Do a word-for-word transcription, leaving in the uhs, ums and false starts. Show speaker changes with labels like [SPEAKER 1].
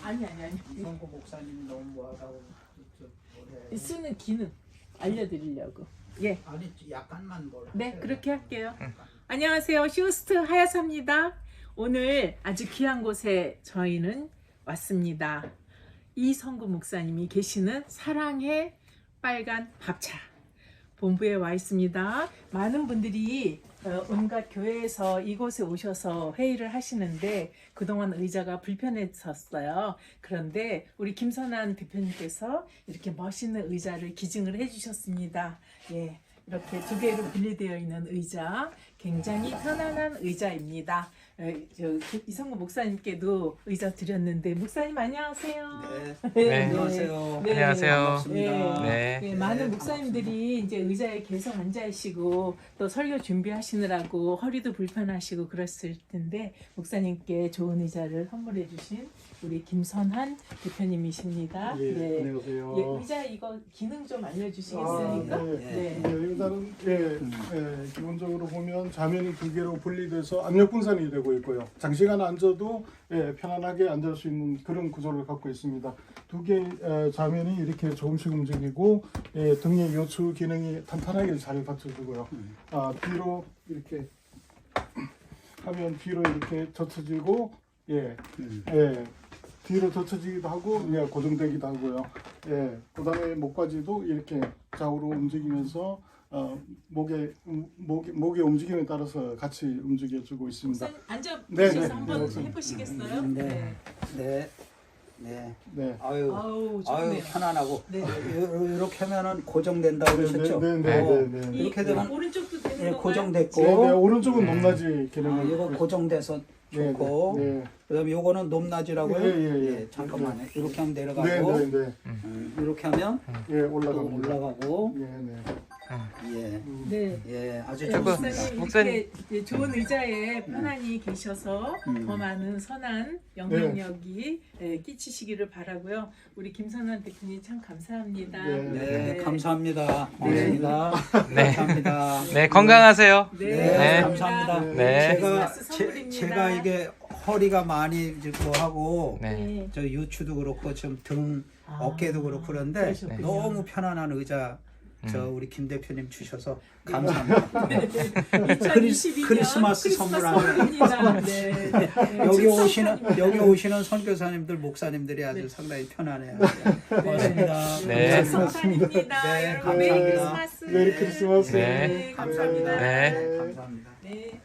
[SPEAKER 1] 아니 아니 아니.
[SPEAKER 2] 이성구 목사님 너무 뭐하다고
[SPEAKER 1] 쓰는 기능 알려드리려고. 예.
[SPEAKER 2] 아니 약간만 뭘
[SPEAKER 1] 네,
[SPEAKER 2] 하세요.
[SPEAKER 1] 그렇게 할게요. 안녕하세요. 쇼스트 하야사입니다. 오늘 아주 귀한 곳에 저희는 왔습니다. 이성구 목사님이 계시는 사랑의 빨간 밥차 본부에 와 있습니다. 많은 분들이 어, 온갖 교회에서 이곳에 오셔서 회의를 하시는데 그동안 의자가 불편했었어요. 그런데 우리 김선한 대표님께서 이렇게 멋있는 의자를 기증을 해주셨습니다. 예, 이렇게 두 개로 분리되어 있는 의자, 굉장히 편안한 의자입니다. 에, 저, 이성구 목사님께도 의자 드렸는데 목사님 안녕하세요.
[SPEAKER 2] 네.
[SPEAKER 3] 네.
[SPEAKER 2] 안녕하세요.
[SPEAKER 1] 네.
[SPEAKER 3] 안녕하세요.
[SPEAKER 2] 반갑습니다.
[SPEAKER 3] 네.
[SPEAKER 1] 네, 많은 목사님들이 이제 의자에 계속 앉아 계시고 또 설교 준비하시느라고 허리도 불편하시고 그랬을 텐데 목사님께 좋은 의자를 선물해 주신 우리 김선한 대표님이십니다.
[SPEAKER 4] 예,
[SPEAKER 1] 네.
[SPEAKER 4] 안녕하세요.
[SPEAKER 1] 예, 의자 이거 기능 좀 알려주시겠습니까?
[SPEAKER 4] 아, 네.
[SPEAKER 1] 네.
[SPEAKER 4] 네, 일단은 예, 예, 기본적으로 보면 좌면이 두 개로 분리돼서 압력 분산이 되고 있고요. 장시간 앉아도 예, 편안하게 앉을 수 있는 그런 구조를 갖고 있습니다. 두 개 좌면이 이렇게 조금씩 움직이고 예, 등의 요추 기능이 탄탄하게 잘 받쳐주고요. 아, 뒤로 이렇게 하면 뒤로 이렇게 젖혀지고 예, 예. 뒤로 젖혀지기도 하고 예, 고정되기도 하고요. 예, 그다음에 목까지도 이렇게 좌우로 움직이면서 어, 목의 음, 목의 목의 움직임에 따라서 같이 움직여주고 있습니다.
[SPEAKER 1] 목사님 앉아
[SPEAKER 4] 네,
[SPEAKER 1] 보셔서
[SPEAKER 4] 네,
[SPEAKER 1] 한번
[SPEAKER 4] 네.
[SPEAKER 1] 해보시겠어요?
[SPEAKER 2] 네. 네. 네.
[SPEAKER 4] 네.
[SPEAKER 2] 아유.
[SPEAKER 1] 아우
[SPEAKER 2] 아유
[SPEAKER 1] 좋네요.
[SPEAKER 2] 편안하고
[SPEAKER 1] 네.
[SPEAKER 2] 이렇게 하면은 고정된다고 그러셨죠?
[SPEAKER 4] 네, 네,
[SPEAKER 2] 어,
[SPEAKER 4] 네, 네, 네.
[SPEAKER 1] 이
[SPEAKER 2] 이렇게 되면
[SPEAKER 1] 오른쪽도 되는
[SPEAKER 2] 예,
[SPEAKER 1] 건가요?
[SPEAKER 2] 고정됐고
[SPEAKER 4] 네, 네, 오른쪽은
[SPEAKER 3] 음.
[SPEAKER 4] 높낮이
[SPEAKER 2] 아,
[SPEAKER 4] 기능을
[SPEAKER 2] 이거 고정돼서
[SPEAKER 4] 네,
[SPEAKER 2] 좋고
[SPEAKER 4] 네, 네.
[SPEAKER 2] 그다음에 요거는 높낮이라고요?
[SPEAKER 4] 예, 예, 예.
[SPEAKER 2] 잠깐만요. 이렇게 하면 내려가고
[SPEAKER 4] 네, 네, 네.
[SPEAKER 2] 음, 이렇게 하면
[SPEAKER 4] 예,
[SPEAKER 2] 또
[SPEAKER 4] 올라갑니다.
[SPEAKER 2] 올라가고
[SPEAKER 4] 예, 네.
[SPEAKER 2] 예.
[SPEAKER 4] 음.
[SPEAKER 1] 네.
[SPEAKER 2] 예, 아주
[SPEAKER 1] 네,
[SPEAKER 3] 저거,
[SPEAKER 1] 목사님
[SPEAKER 2] 좋습니다.
[SPEAKER 3] 목사님.
[SPEAKER 1] 이렇게 좋은 의자에 편안히 계셔서
[SPEAKER 2] 음.
[SPEAKER 1] 더 많은 선한 영향력이 예, 끼치시기를 바라고요. 우리 김선한 대표님 참 감사합니다.
[SPEAKER 4] 네.
[SPEAKER 2] 네, 감사합니다. 고맙습니다.
[SPEAKER 3] 네.
[SPEAKER 2] 감사합니다.
[SPEAKER 3] 네, 건강하세요.
[SPEAKER 1] 네,
[SPEAKER 2] 네,
[SPEAKER 1] 감사합니다.
[SPEAKER 2] 감사합니다.
[SPEAKER 3] 네.
[SPEAKER 2] 제가
[SPEAKER 1] 크리스마스
[SPEAKER 2] 제,
[SPEAKER 1] 선물입니다.
[SPEAKER 2] 제가 이게 허리가 많이 뭐 하고
[SPEAKER 3] 네.
[SPEAKER 1] 네.
[SPEAKER 2] 저 유추도 그렇고 좀 등
[SPEAKER 1] 아,
[SPEAKER 2] 어깨도 그렇고 그런데
[SPEAKER 1] 그러셨군요.
[SPEAKER 2] 너무 편안한 의자 저
[SPEAKER 3] 음.
[SPEAKER 2] 우리 김 대표님 주셔서 감사합니다.
[SPEAKER 1] 이천이십이 년
[SPEAKER 2] 크리스마스 선물입니다.
[SPEAKER 1] 네. 네.
[SPEAKER 2] 여기
[SPEAKER 1] 즉석
[SPEAKER 2] 오시는
[SPEAKER 1] 선물입니다.
[SPEAKER 2] 여기 오시는 선교사님들 목사님들이 아주
[SPEAKER 1] 네.
[SPEAKER 2] 상당히 편안해요. 고맙습니다.
[SPEAKER 3] 네.
[SPEAKER 1] 즉석판입니다.
[SPEAKER 2] 네,
[SPEAKER 1] 여러분 메리
[SPEAKER 2] 감사합니다.
[SPEAKER 1] 크리스마스.
[SPEAKER 4] 메리 크리스마스.
[SPEAKER 3] 네.
[SPEAKER 1] 네,
[SPEAKER 2] 감사합니다.
[SPEAKER 3] 네.
[SPEAKER 2] 네, 감사합니다.
[SPEAKER 1] 네.